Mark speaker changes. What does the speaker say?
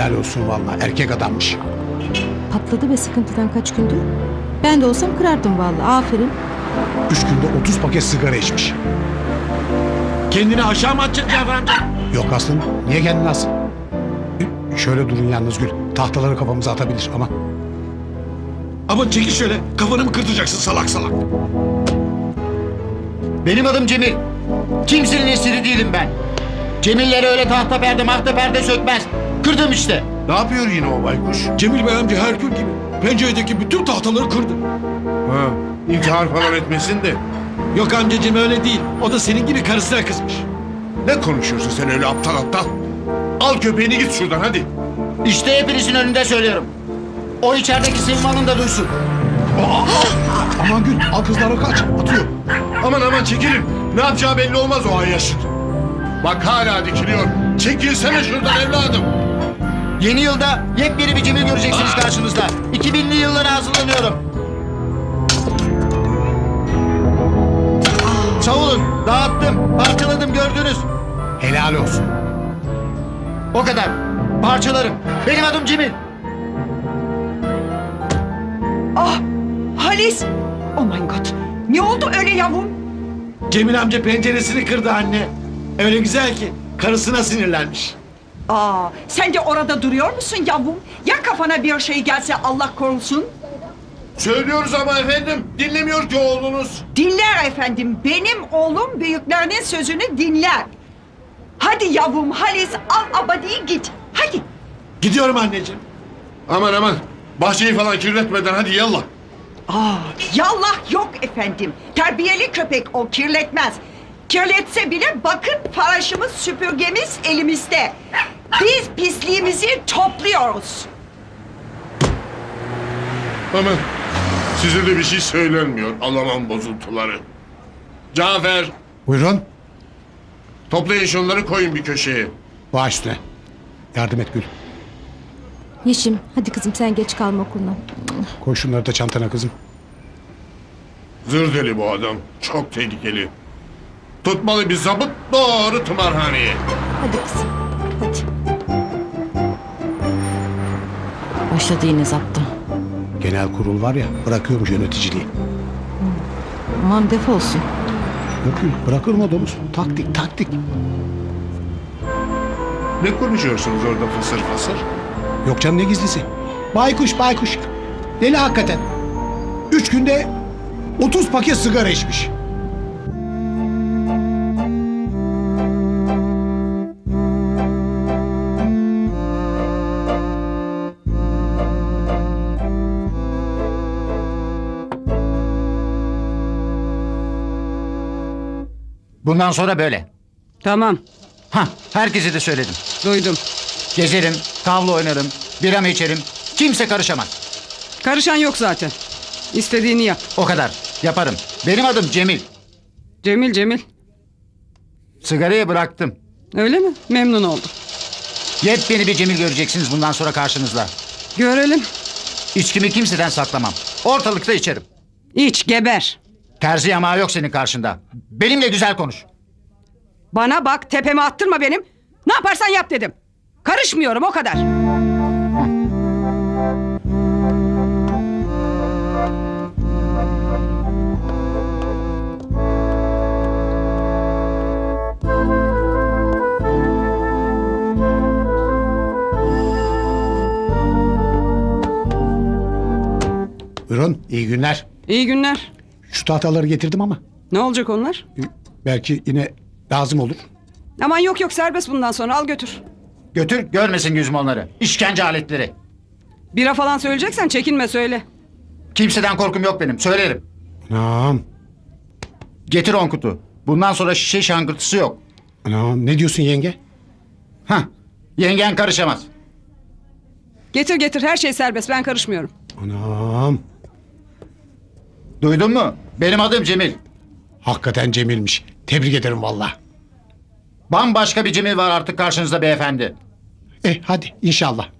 Speaker 1: Helal olsun vallahi, erkek adammış.
Speaker 2: Patladı be sıkıntıdan kaç gündür. Ben de olsam kırardım vallahi. Aferin.
Speaker 1: 3 günde 30 paket sigara içmiş.
Speaker 3: Kendini aşağı mı atacaksın Cafer amca?
Speaker 1: Yok aslında, niye kendini alsın? Şöyle durun yalnız Gül. Tahtaları kafamıza atabilir ama.
Speaker 3: Ama çekil şöyle, kafanı mı kırtacaksın salak salak?
Speaker 4: Benim adım Cemil. Kimsenin esiri değilim ben. Cemillere öyle tahta perde mahta perde sökmez. Kırdım işte.
Speaker 5: Ne yapıyor yine o baykuş?
Speaker 3: Cemil Bey amca her gün gibi. Penceredeki bütün tahtaları kırdı.
Speaker 5: Ha, intihar falan etmesin de.
Speaker 3: Yok amcacığım öyle değil. O da senin gibi karısına kızmış.
Speaker 5: Ne konuşuyorsun sen öyle aptal aptal? Al köpeğini git şuradan hadi.
Speaker 4: İşte hepinizin önünde söylüyorum. O içerideki Sevim Hanım da duysun.
Speaker 1: Aman Gül, al kızlara kaç, atıyor.
Speaker 5: Aman aman çekilin. Ne yapacağı belli olmaz o ayyaşın. Bak hala dikiliyor. Çekilsene şuradan evladım.
Speaker 4: Yeni yılda yepyeni bir Cemil göreceksiniz karşınızda. 2000'li yıllara hazırlanıyorum. Savulun, dağıttım, parçaladım gördünüz.
Speaker 1: Helal olsun.
Speaker 4: O kadar. Parçalarım. Benim adım Cemil.
Speaker 6: Ah, Halis. Oh my God. Ne oldu öyle yavrum?
Speaker 3: Cemil amca penceresini kırdı anne. Öyle güzel ki karısına sinirlenmiş.
Speaker 6: Sen de orada duruyor musun yavrum? Ya kafana bir şey gelse Allah korusun?
Speaker 5: Söylüyoruz ama efendim. Dinlemiyor ki oğlunuz.
Speaker 6: Dinler efendim. Benim oğlum büyüklerinin sözünü dinler. Hadi yavrum Halis al abadiyi git. Hadi.
Speaker 3: Gidiyorum anneciğim.
Speaker 5: Aman aman. Bahçeyi falan kirletmeden hadi yallah.
Speaker 6: Yallah yok efendim. Terbiyeli köpek o kirletmez. Kirletse bile bakın faraşımız süpürgemiz elimizde. Biz pisliğimizi topluyoruz.
Speaker 5: Aman. Size de bir şey söylenmiyor. Alamam bozuntuları. Cafer.
Speaker 1: Buyurun,
Speaker 5: Toplayın şunları koyun bir köşeye.
Speaker 1: baş üstüne. Yardım et Gül.
Speaker 2: Yeşim hadi kızım sen geç kalma okuluna.
Speaker 1: Koy şunları da çantana kızım.
Speaker 5: Zır deli bu adam. Çok tehlikeli. Tutmalı bir zabıt doğru tımarhaneye.
Speaker 2: Hadi kızım hadi.
Speaker 7: Başladı yine zaptı.
Speaker 1: Genel kurul var ya, bırakıyormuş yöneticiliği.
Speaker 7: Aman defolsun.
Speaker 1: Yok Gül, bırakır mı domuz? Taktik, taktik.
Speaker 5: Ne konuşuyorsunuz orada fısır fısır?
Speaker 1: Yok canım, ne gizlisi? Baykuş, baykuş. Deli hakikaten. 3 günde 30 paket sigara içmiş.
Speaker 4: Bundan sonra böyle.
Speaker 8: Tamam,
Speaker 4: Herkese de söyledim.
Speaker 8: duydum.
Speaker 4: Gezerim, tavla oynarım, biramı içerim. Kimse karışamaz.
Speaker 8: Karışan yok zaten. İstediğini yap.
Speaker 4: O kadar. Yaparım. Benim adım Cemil.
Speaker 8: Cemil, Cemil.
Speaker 4: Sigarayı bıraktım.
Speaker 8: Öyle mi? Memnun oldum.
Speaker 4: Yepyeni bir Cemil göreceksiniz bundan sonra karşınızda.
Speaker 8: Görelim.
Speaker 4: İçkimi kimseden saklamam. Ortalıkta içerim.
Speaker 8: İç, geber.
Speaker 4: Terzi yamağı yok senin karşında. Benimle güzel konuş.
Speaker 8: Bana bak, tepeme attırma benim. Ne yaparsan yap dedim. Karışmıyorum, o kadar.
Speaker 1: Buyurun, iyi günler.
Speaker 8: İyi günler.
Speaker 1: Şu tahtaları getirdim ama
Speaker 8: Ne olacak onlar?
Speaker 1: belki yine lazım olur.
Speaker 8: Aman yok yok, serbest bundan sonra, al götür.
Speaker 4: Götür görmesin yüzüm onları. İşkence aletleri.
Speaker 8: Bira falan söyleyeceksen çekinme, söyle.
Speaker 4: Kimseden korkum yok benim. Söylerim.
Speaker 1: Anam,
Speaker 4: Getir 10 kutu. Bundan sonra şişe şangırtısı yok.
Speaker 1: anam, ne diyorsun yenge?
Speaker 4: Yengen karışamaz.
Speaker 8: Getir getir, her şey serbest, ben karışmıyorum.
Speaker 1: Anam,
Speaker 4: Duydun mu? Benim adım Cemil.
Speaker 1: hakikaten Cemil'miş. Tebrik ederim valla.
Speaker 4: Bambaşka bir Cemil var artık karşınızda beyefendi.
Speaker 1: Hadi inşallah.